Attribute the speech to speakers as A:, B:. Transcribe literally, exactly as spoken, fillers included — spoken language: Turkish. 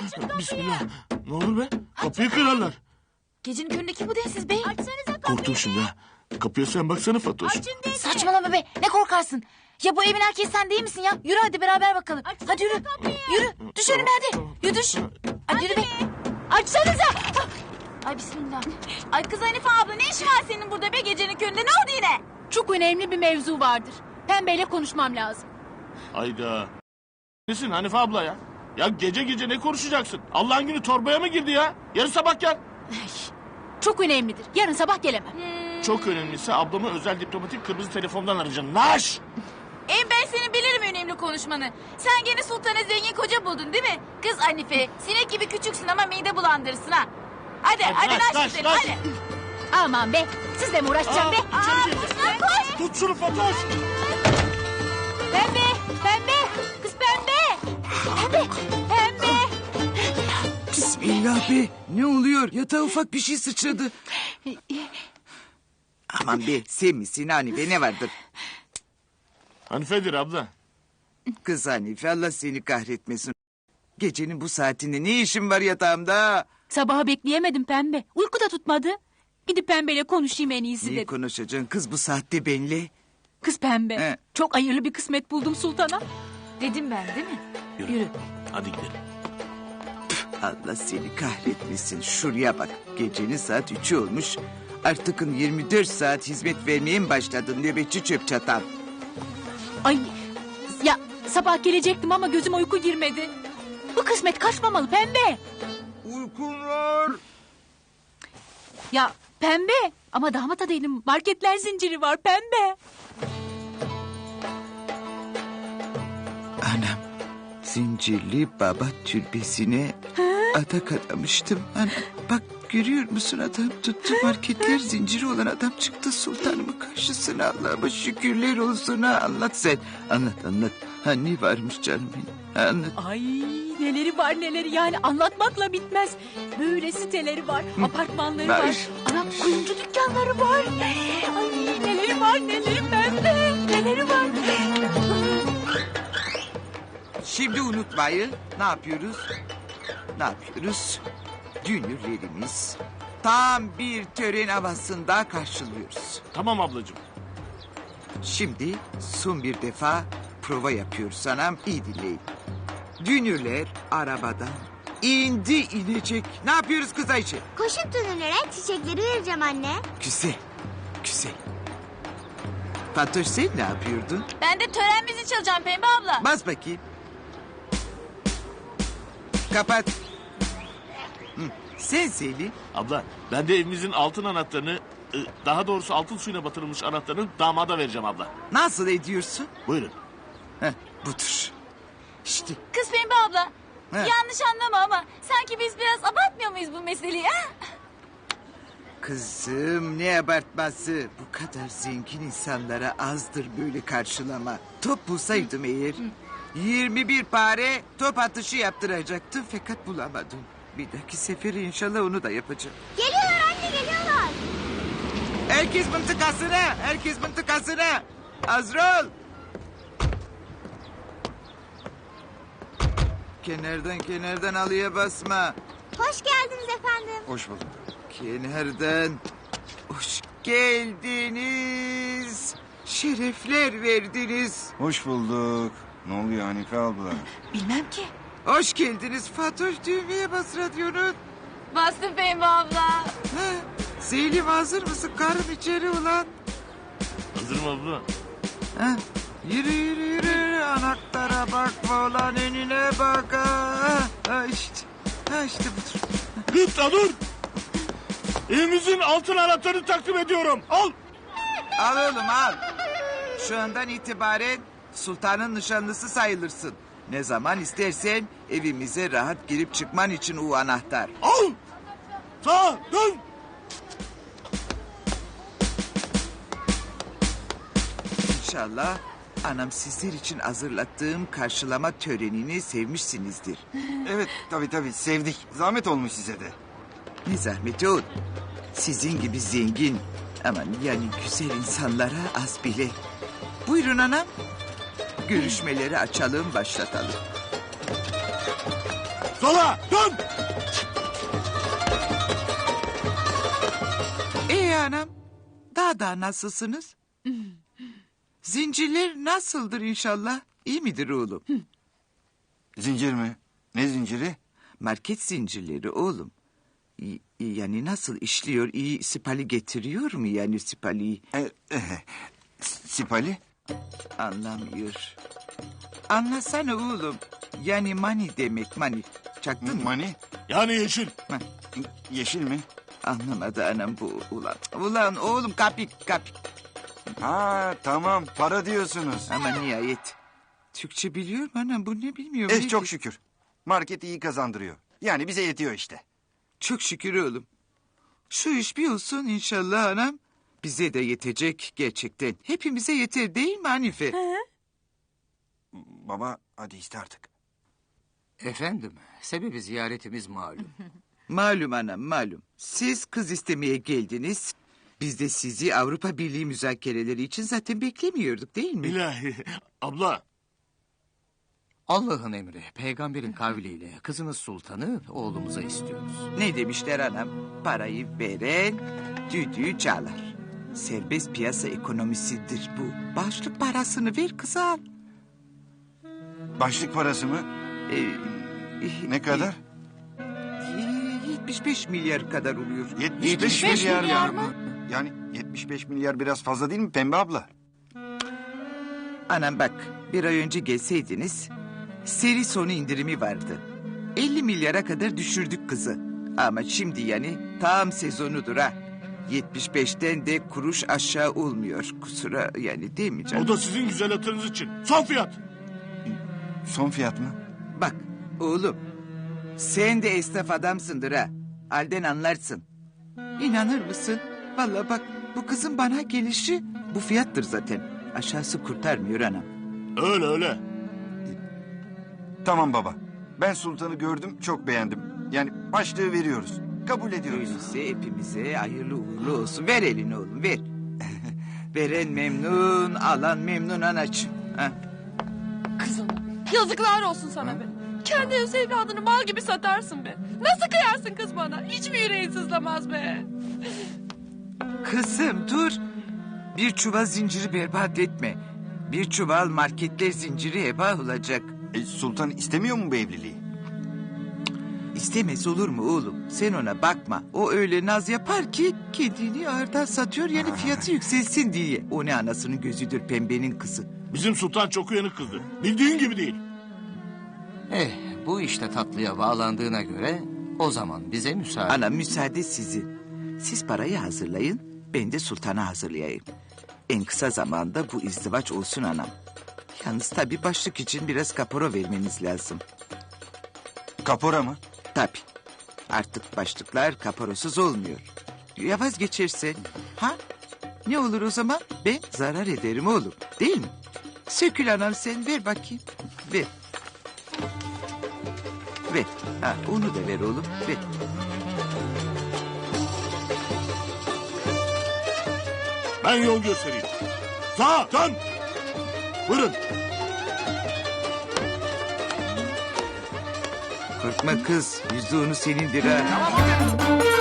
A: Bismillah. Ne olur be? Kapıyı kırarlar.
B: Gecenin köründeki bu densiz bey.
A: Korktum şimdi ha. Kapıya sen baksana Fatoş.
B: Saçmalama be. Ne korkarsın? Ya bu evin erkeği sen değil misin ya? Yürü hadi beraber bakalım. Hadi yürü. Yürü. Düş önüme hadi. Yürü düş. Hadi yürü be. Açsanıza. Ay bismillah. Ay kız Hanife abla ne işin var senin burada be gecenin köründe? Ne oldu yine?
C: Çok önemli bir mevzu vardır. Pembeyle konuşmam lazım.
A: Hayda. Nesin Hanife abla ya? Ya gece gece ne konuşacaksın? Allah'ın günü torbaya mı girdi ya? Yarın sabah gel.
C: Çok önemlidir. Yarın sabah gelemem.
B: Hmm.
A: Çok önemlisi ablamı özel diplomatik kırmızı telefondan arayacaksın. Naş!
B: En ben senin bilirim önemli konuşmanı. Sen gene sultana zengin koca buldun değil mi? Kız Hanife sinek gibi küçüksün ama mide bulandırırsın ha. Hadi hadi,
A: Hadi,
B: hadi,
A: naş,
B: gidelim,
A: naş.
B: hadi.
C: Aman be. Sizle mi uğraşacağım
A: Aa,
C: be?
A: içeri gir.
B: Koş lan koş.
A: Tut şunu Fatoş.
C: Pembe. Pembe. Kız pembe. Pembe. Pembe.
D: Bismillah be. Ne oluyor? Yatağa ufak bir şey sıçradı. Aman be, sen misin Hanife, ne vardır?
A: Hanife'dir abla.
D: Kız Hanife, Allah seni kahretmesin. Gecenin bu saatinde ne işin var yatağımda?
C: Sabaha bekleyemedim pembe. Uyku da tutmadı. Gidip pembeyle konuşayım en iyisi
D: Ne
C: dedim.
D: konuşacaksın kız bu saatte benimle?
C: Kız pembe.
D: He.
C: Çok hayırlı bir kısmet buldum sultana.
B: Dedim ben değil mi?
A: Yürü.
B: Yürü.
A: Hadi gidelim.
D: Allah seni kahretmesin. Şuraya bak. Gecenin saat üçü olmuş. Artık yirmi dört saat hizmet vermeye mi başladın nöbetçi çöp çatan?
C: Ay ya sabah gelecektim ama gözüm uyku girmedi. Bu kısmet kaçmamalı pembe.
D: Uykum var.
C: Ya pembe ama damat adayının marketler zinciri var pembe.
D: Anam, Zincirli Baba türbesine adak adamıştım. Anam, bak görüyor musun, adam tuttu, marketler zinciri olan adam çıktı sultanımın karşısına. Allah'ıma şükürler olsun. Ha, anlat sen, anlat anlat. Ha, ne varmış canım benim, anlat.
C: Ay neleri var neleri, yani anlatmakla bitmez. Böyle siteleri var, apartmanları
D: Var.
C: var. Anam kuyumcu dükkanları var. Ay neleri var neleri pembe, neleri var.
D: Şimdi unutmayın, ne yapıyoruz? Ne yapıyoruz? Dünürlerimiz tam bir tören havasında karşılıyoruz.
A: Tamam ablacığım.
D: Şimdi son bir defa prova yapıyoruz anam, iyi dinleyin. Dünürler arabadan indi inecek. Ne yapıyoruz kız Ayşe?
E: Koşup dönülere çiçekleri vereceğim anne.
D: Güzel, güzel. Fatoş sen ne yapıyordun?
B: Ben de tören müziği çalacağım Pembe abla.
D: Bas bakayım. Kapat. Hı. Sen Selim.
A: Abla ben de evimizin altın anahtarını... e, daha doğrusu altın suyuna batırılmış anahtarını damada vereceğim abla.
D: Nasıl ediyorsun?
A: Buyurun.
D: Heh, budur. İşte
B: Kız Pembe abla.
D: He.
B: Yanlış anlama ama sanki biz biraz abartmıyor muyuz bu meseleyi ha?
D: kızım, ne abartması. Bu kadar zengin insanlara azdır böyle karşılama. Top bulsaydım eğer yirmi bir pare top atışı yaptıracaktım fakat bulamadım. Bir dahaki sefere inşallah onu da yapacağım.
E: Geliyorlar anne, geliyorlar.
D: Herkes mıntıkasına, herkes mıntıkasına. Azrol. Kenardan kenardan alıya basma.
E: Hoş geldiniz efendim.
D: Hoş bulduk. Kenardan hoş geldiniz. Şerefler verdiniz.
F: Hoş bulduk. Ne oluyor Hanife abla?
C: Bilmem ki.
D: Hoş geldiniz Fatoş, düğmeye bas radyonun.
B: Bastım Pembe abla.
D: Ha, Selim hazır mısın? Karın içeri ulan.
A: Hazırım abla.
D: Ha, yürü yürü yürü. Anahtara bakma ulan, önüne bak. Ha, ha işte. Ha işte budur.
A: Lütfen dur. Evimizin altın anahtarını takdim ediyorum. Al.
D: Al oğlum al. Şu andan itibaren sultanın nişanlısı sayılırsın. Ne zaman istersen evimize rahat girip çıkman için o anahtar.
A: Al. Sağa dön.
D: İnşallah anam sizler için hazırlattığım karşılama törenini sevmişsinizdir.
F: Evet tabii tabii sevdik. Zahmet olmuş size de.
D: Ne zahmeti oğlum. Sizin gibi zengin, aman yani güzel insanlara az bile. Buyurun anam. Görüşmeleri açalım, başlatalım.
A: Sola dön.
D: İyi anam. Daha da nasılsınız? Zincirler nasıldır inşallah? İyi midir oğlum?
F: Zincir mi? Ne zinciri?
D: Market zincirleri oğlum. İyi- iyi yani nasıl işliyor? İyi sipali getiriyor mu yani sipali?
F: E, e, Sipali?
D: Anlamıyor. Anlasana oğlum. Yani mani demek mani. Çaktın mı?
F: Mani?
A: Yani yeşil.
D: Ha,
F: Yeşil mi?
D: anlamadı anam bu ulan. Ulan oğlum kapik kapik.
F: Ha tamam para diyorsunuz.
D: Ama nihayet. Türkçe biliyor mu anam bu ne bilmiyorum.
F: Eh
D: ne
F: çok
D: di-
F: şükür. Market iyi kazandırıyor. Yani bize yetiyor işte.
D: Çok şükür oğlum. Şu iş bir olsun inşallah anam. Bize de yetecek gerçekten. Hepimize yeter değil mi Hanife?
F: Baba hadi iste artık.
G: Efendim, sebebi ziyaretimiz malum.
D: Malum anam malum. Siz kız istemeye geldiniz. Biz de sizi Avrupa Birliği müzakereleri için zaten beklemiyorduk değil mi?
A: İlahi. Abla.
G: Allah'ın emri, peygamberin kavliyle kızınız sultanı oğlumuza istiyoruz.
D: Ne demişler anam? Parayı veren düdüğü çalar. Serbest piyasa ekonomisidir bu. Başlık parasını ver kıza al.
F: Başlık parası mı?
D: Ee,
F: Ne kadar?
D: e, yetmiş beş milyar kadar oluyor.
F: yetmiş beş milyar, ya. Yani yetmiş beş milyar biraz fazla değil mi Pembe abla?
D: Anam bak bir ay önce gelseydiniz seri sonu indirimi vardı. elli milyara kadar düşürdük kızı. Ama şimdi yani tam sezonudur ha. yetmiş beşten de kuruş aşağı olmuyor. Kusura yani değil mi canım?
A: O da sizin güzel hatırınız için. Son fiyat.
F: Son fiyat mı?
D: Bak oğlum sen de esnaf adamsındır ha. Halden anlarsın. İnanır mısın? Vallahi bak bu kızın bana gelişi bu fiyattır zaten. Aşağısı kurtarmıyor anam.
A: Öyle öyle.
F: Tamam baba. Ben Sultan'ı gördüm çok beğendim. Yani başlığı veriyoruz. Kabul ediyoruz.
D: Öyleyse hepimize hayırlı uğurlu olsun. Ver elini oğlum ver. Veren memnun, alan memnun anacığım. Ha.
H: Kızım, yazıklar olsun sana be. Kendi öz evladını mal gibi satarsın be. Nasıl kıyarsın kız bana? Hiç mi yüreğin sızlamaz be?
D: Kızım dur. Bir çuval zinciri berbat etme. Bir çuval marketler zinciri heba olacak.
F: E, Sultan istemiyor mu bu evliliği?
D: İstemez olur mu oğlum? Sen ona bakma. O öyle naz yapar ki kendini ağırdan satıyor yani fiyatı yükselsin diye. O ne anasının gözüdür pembenin kızı.
A: Bizim sultan çok uyanık kızdı. Bildiğin gibi değil.
G: Eh, bu işte tatlıya bağlandığına göre o zaman bize müsaade.
D: Ana müsaade sizin. Siz parayı hazırlayın, ben de sultana hazırlayayım. En kısa zamanda bu izdivaç olsun anam. Yalnız tabii başlık için biraz kapora vermeniz lazım.
F: Kapora mı?
D: Tabii. Artık başlıklar kaporasız olmuyor. Ya vazgeçerse? Ha? Ne olur o zaman? Ben zarar ederim oğlum. Değil mi? Sökül anam sen ver bakayım. Ver. Ver. Ha, onu da ver oğlum. Ver.
A: Ben yol göstereyim. Sağa dön. Buyurun.
D: Korkma kız. Yüzde onu senindir ha.